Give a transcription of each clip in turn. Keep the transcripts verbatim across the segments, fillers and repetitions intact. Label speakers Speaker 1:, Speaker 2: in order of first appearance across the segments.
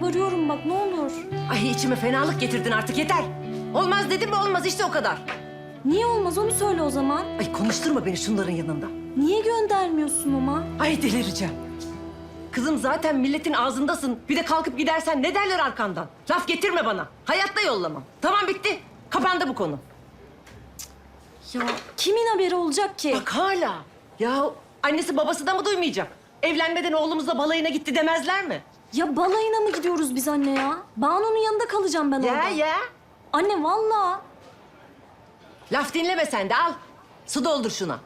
Speaker 1: yalvarıyorum bak ne olur.
Speaker 2: Ay içime fenalık getirdin artık yeter. Olmaz dedim mi olmaz işte o kadar.
Speaker 1: Niye olmaz onu söyle o zaman.
Speaker 2: Ay konuşturma beni şunların yanında.
Speaker 1: Niye göndermiyorsun ama?
Speaker 2: Ay delireceğim. Kızım zaten milletin ağzındasın. Bir de kalkıp gidersen ne derler arkandan? Laf getirme bana. Hayatta yollamam. Tamam bitti. Kapandı bu konu.
Speaker 1: Ya kimin haberi olacak ki?
Speaker 2: Bak hala. Ya annesi babası da mı duymayacak? Evlenmeden oğlumuzla balayına gitti demezler mi?
Speaker 1: Ya balayına mı gidiyoruz biz anne ya? Banu'nun yanında kalacağım ben orada.
Speaker 2: Ya ya.
Speaker 1: Anne vallahi.
Speaker 2: Laf dinleme sen de al. Su doldur şuna.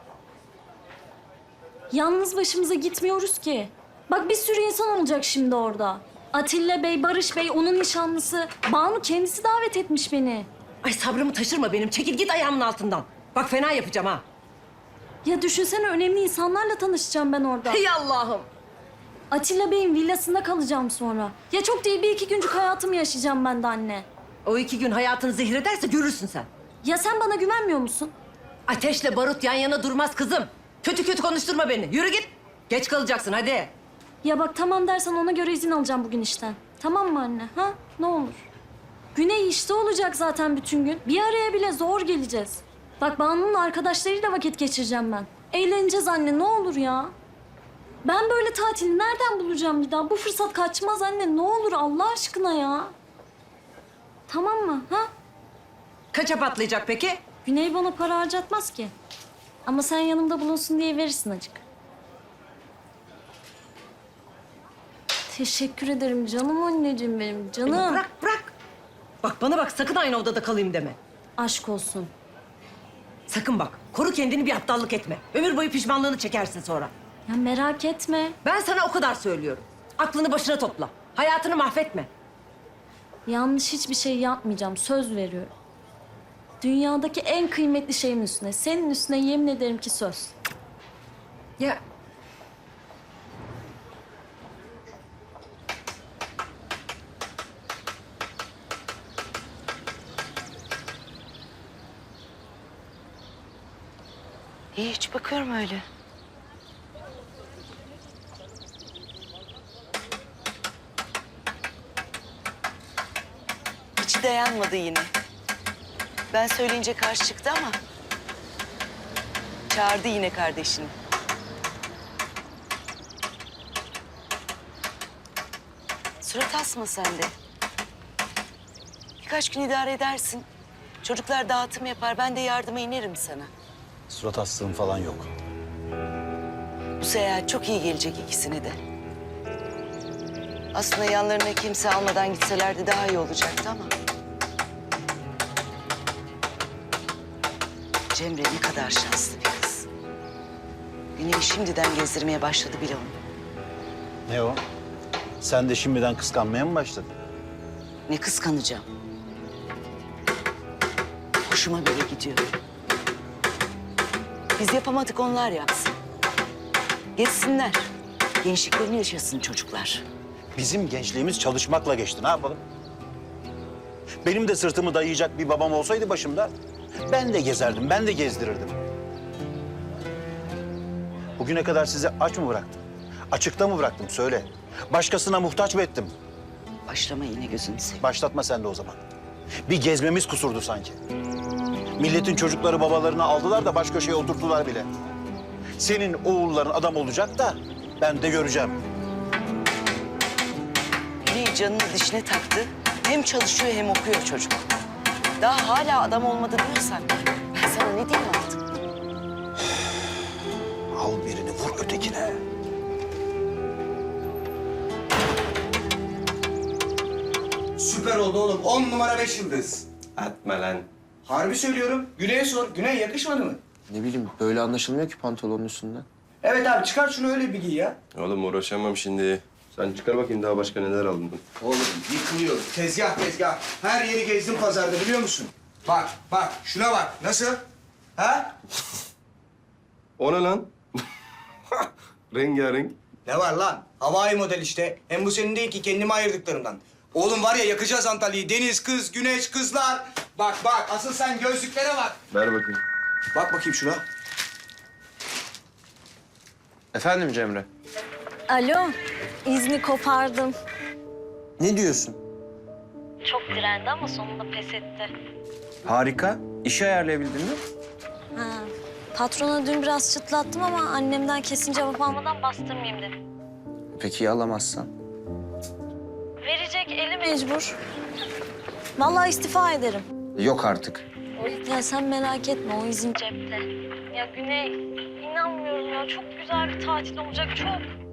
Speaker 1: Yalnız başımıza gitmiyoruz ki. Bak bir sürü insan olacak şimdi orada. Atilla Bey, Barış Bey, onun nişanlısı. Banu kendisi davet etmiş beni.
Speaker 2: Ay sabrımı taşırma benim. Çekil git ayağımın altından. Bak fena yapacağım ha.
Speaker 1: Ya düşünsene önemli insanlarla tanışacağım ben orada.
Speaker 2: Hey Allah'ım.
Speaker 1: Atilla Bey'in villasında kalacağım sonra. Ya çok değil bir iki güncük hayatımı yaşayacağım ben de anne.
Speaker 2: O iki gün hayatını zehrederse görürsün sen.
Speaker 1: Ya sen bana güvenmiyor musun?
Speaker 2: Ateşle barut yan yana durmaz kızım. Kötü kötü konuşturma beni. Yürü git. Geç kalacaksın hadi.
Speaker 1: Ya bak tamam dersen ona göre izin alacağım bugün işten. Tamam mı anne? Ha? Ne olur. Güney işte olacak zaten bütün gün. Bir araya bile zor geleceğiz. Bak Banu'nun arkadaşlarıyla vakit geçireceğim ben. Eğleneceğiz anne ne olur ya. Ben böyle tatili nereden bulacağım bir daha? Bu fırsat kaçmaz anne. Ne olur Allah aşkına ya. Tamam mı? Ha?
Speaker 2: Kaça patlayacak peki?
Speaker 1: Güney bana para harcatmaz ki. Ama sen yanımda bulunsun diye verirsin acık. Teşekkür ederim canım anneciğim benim canım.
Speaker 2: Beni bırak bırak. Bak bana bak sakın aynı odada kalayım deme.
Speaker 1: Aşk olsun.
Speaker 2: Sakın bak. Koru kendini bir aptallık etme. Ömür boyu pişmanlığını çekersin sonra.
Speaker 1: Ya merak etme.
Speaker 2: Ben sana o kadar söylüyorum. Aklını başına topla. Hayatını mahvetme.
Speaker 1: Yanlış hiçbir şey yapmayacağım. Söz veriyorum. Dünyadaki en kıymetli şeyin üstüne, senin üstüne yemin ederim ki söz.
Speaker 2: Ya
Speaker 3: Hiç bakıyorum öyle. İçi dayanmadı yine. Ben söyleyince karşı çıktı ama... çağırdı yine kardeşini. Surat asma sen de. Birkaç gün idare edersin. Çocuklar dağıtım yapar, ben de yardıma inerim sana.
Speaker 4: Surat astığım falan yok.
Speaker 3: Bu seyahat çok iyi gelecek ikisine de. Aslında yanlarına kimse almadan gitselerdi daha iyi olacaktı ama... Cemre ne kadar şanslı bir kız. Güney'i şimdiden gezdirmeye başladı bile onu.
Speaker 4: Ne o? Sen de şimdiden kıskanmaya mı başladın?
Speaker 3: Ne kıskanacağım. Hoşuma göre gidiyor. Biz yapamadık, onlar yapsın. Geçsinler. Gençliklerini yaşasın çocuklar.
Speaker 4: Bizim gençliğimiz çalışmakla geçti. Ne yapalım? Benim de sırtımı dayayacak bir babam olsaydı başımda... ben de gezerdim, ben de gezdirirdim. Bugüne kadar sizi aç mı bıraktım? Açıkta mı bıraktım? Söyle. Başkasına muhtaç mı ettim?
Speaker 3: Başlama yine gözünü seveyim.
Speaker 4: Başlatma sen de o zaman. Bir gezmemiz kusurdu sanki. Milletin çocukları babalarını aldılar da baş köşeye oturttular bile. Senin oğulların adam olacak da ben de göreceğim.
Speaker 3: Güney canını dişine taktı. Hem çalışıyor hem okuyor çocuk. Daha hala adam olmadı diyorsan ben sana ne diyeyim artık?
Speaker 4: Al birini vur ötekine.
Speaker 5: Süper oldu oğlum. On numara beş yıldız.
Speaker 6: Atma lan.
Speaker 5: Harbi söylüyorum. Güney'e sor. Güney yakışmadı mı?
Speaker 6: Ne bileyim böyle anlaşılmıyor ki pantolonun üstünden.
Speaker 5: Evet abi çıkar şunu öyle bir giy ya.
Speaker 6: Oğlum uğraşamam şimdi. Sen çıkar bakayım daha başka neler aldın.
Speaker 5: Oğlum yıkılıyor. Tezgah tezgah. Her yeri gezdim pazarda biliyor musun? Bak bak şuna bak. Nasıl? Ha?
Speaker 6: O ne lan? Rengarenk.
Speaker 5: Ne var lan? Havai model işte. Hem bu senin değil ki kendime ayırdıklarımdan. Oğlum var ya yakacağız Antalya'yı. Deniz, kız, güneş, kızlar. Bak bak asıl sen gözlüklere bak.
Speaker 6: Ver bakayım.
Speaker 5: Bak bakayım şuna.
Speaker 6: Efendim Cemre?
Speaker 1: Alo, izni kopardım.
Speaker 7: Ne diyorsun?
Speaker 1: Çok direndi ama sonunda pes etti.
Speaker 7: Harika. İşi ayarlayabildin mi?
Speaker 1: Ha. Patrona dün biraz çıtlattım ama annemden kesin cevap almadan bastırmayayım dedim.
Speaker 7: Peki ya alamazsan?
Speaker 1: Verecek eli mecbur. Vallahi istifa ederim.
Speaker 7: Yok artık.
Speaker 1: Ya sen merak etme, o izin cepte. Ya Güney, inanmıyorum ya. Çok güzel bir tatil olacak, çok.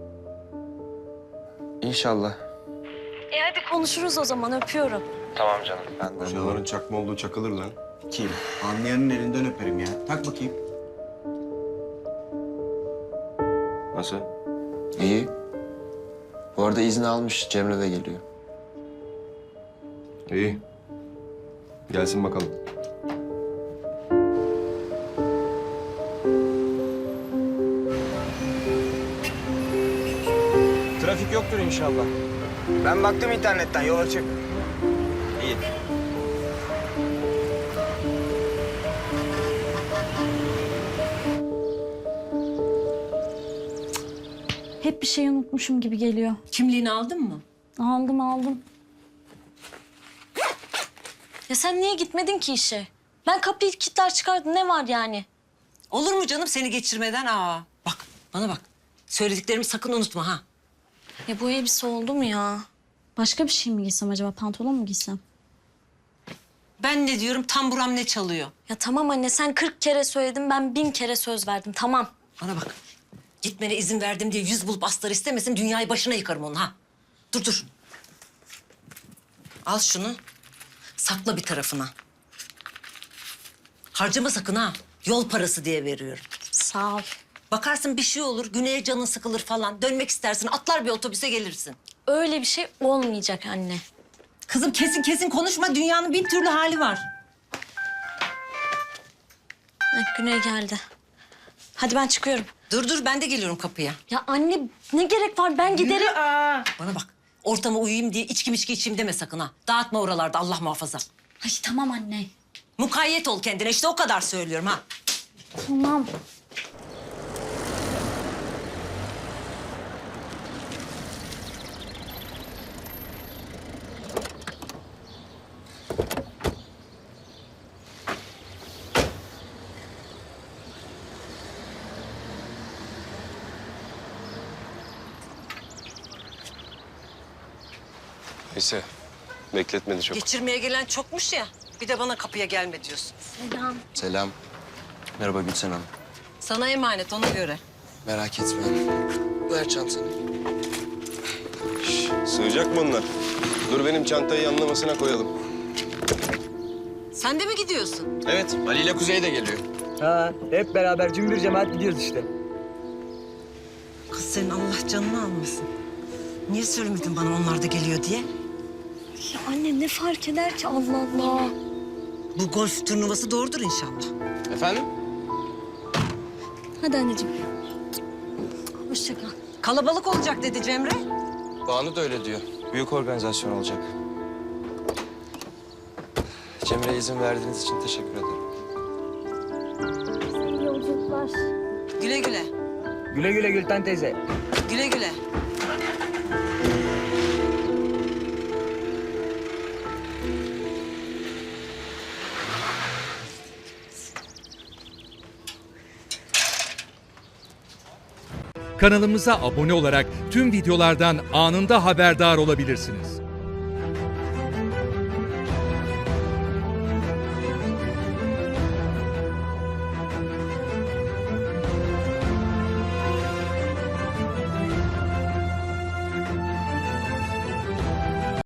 Speaker 7: İnşallah.
Speaker 1: E hadi konuşuruz o zaman, öpüyorum.
Speaker 7: Tamam canım. Ben de.
Speaker 6: Şaların çakma olduğu çakılır lan.
Speaker 5: Kim? Anlayanın elinden öperim ya. Tak bakayım.
Speaker 6: Nasıl?
Speaker 7: İyi. Bu arada izni almış. Cemre de geliyor.
Speaker 6: İyi. Gelsin bakalım.
Speaker 7: Trafik yoktur inşallah.
Speaker 5: Ben baktım internetten, yol açık.
Speaker 7: İyi.
Speaker 1: Hep bir şey unutmuşum gibi geliyor.
Speaker 2: Kimliğini aldın mı?
Speaker 1: Aldım aldım. Ya sen niye gitmedin ki işe? Ben kapıyı kilitler çıkardım, ne var yani?
Speaker 2: Olur mu canım seni geçirmeden? Aa, bak bana bak. Söylediklerimi sakın unutma ha.
Speaker 1: Ya bu elbise oldu mu ya? Başka bir şey mi giysem acaba? Pantolon mu giysem?
Speaker 2: Ben ne diyorum, tam buram ne çalıyor?
Speaker 1: Ya tamam anne, sen kırk kere söyledin, ben bin kere söz verdim, tamam.
Speaker 2: Bana bak. Gitmene izin verdim diye yüz bulup astar istemesin, dünyayı başına yıkarım onu ha. Dur dur. Al şunu. Sakla bir tarafına. Harcama sakın ha. Yol parası diye veriyorum.
Speaker 1: Sağ ol.
Speaker 2: Bakarsın bir şey olur, güneye canın sıkılır falan. Dönmek istersin, atlar bir otobüse gelirsin.
Speaker 1: Öyle bir şey olmayacak anne.
Speaker 2: Kızım kesin kesin konuşma. Dünyanın bin türlü hali var.
Speaker 1: Heh, Güney geldi. Hadi ben çıkıyorum.
Speaker 2: Dur dur, ben de geliyorum kapıya.
Speaker 1: Ya anne ne gerek var, ben giderim.
Speaker 2: Bana bak, ortama uyuyayım diye içki içki içeyim deme sakın ha. Dağıtma oralarda, Allah muhafaza.
Speaker 1: Ay tamam anne.
Speaker 2: Mukayyet ol kendine, işte o kadar söylüyorum ha.
Speaker 1: Tamam.
Speaker 6: Neyse. Bekletmedi çok.
Speaker 2: Geçirmeye gelen çokmuş ya. Bir de bana kapıya gelme diyorsun.
Speaker 1: Selam.
Speaker 7: Selam. Merhaba Gülsen Hanım.
Speaker 2: Sana emanet, ona göre.
Speaker 7: Merak etme. Ver çantanı.
Speaker 6: Sığacak mı onlar? Dur benim çantayı yanlamasına koyalım.
Speaker 2: Sen de mi gidiyorsun?
Speaker 7: Evet. Ali ile Kuzey de geliyor.
Speaker 8: Ha, hep beraber cümbür cemaat gidiyoruz işte.
Speaker 2: Kız senin Allah canını almasın. Niye söylemedin bana onlar da geliyor diye?
Speaker 1: Ya anne ne fark eder ki, Allah Allah.
Speaker 2: Bu golf turnuvası doğrudur inşallah.
Speaker 7: Efendim?
Speaker 1: Hadi anneciğim. Hoşça kal.
Speaker 2: Kalabalık olacak dedi Cemre.
Speaker 7: Banu da öyle diyor. Büyük organizasyon olacak. Cemre'ye izin verdiğiniz için teşekkür ederim.
Speaker 1: İyi yolculuklar.
Speaker 2: Güle güle.
Speaker 8: Güle güle Gülten teyze.
Speaker 2: Güle güle.
Speaker 9: Kanalımıza abone olarak tüm videolardan anında haberdar olabilirsiniz.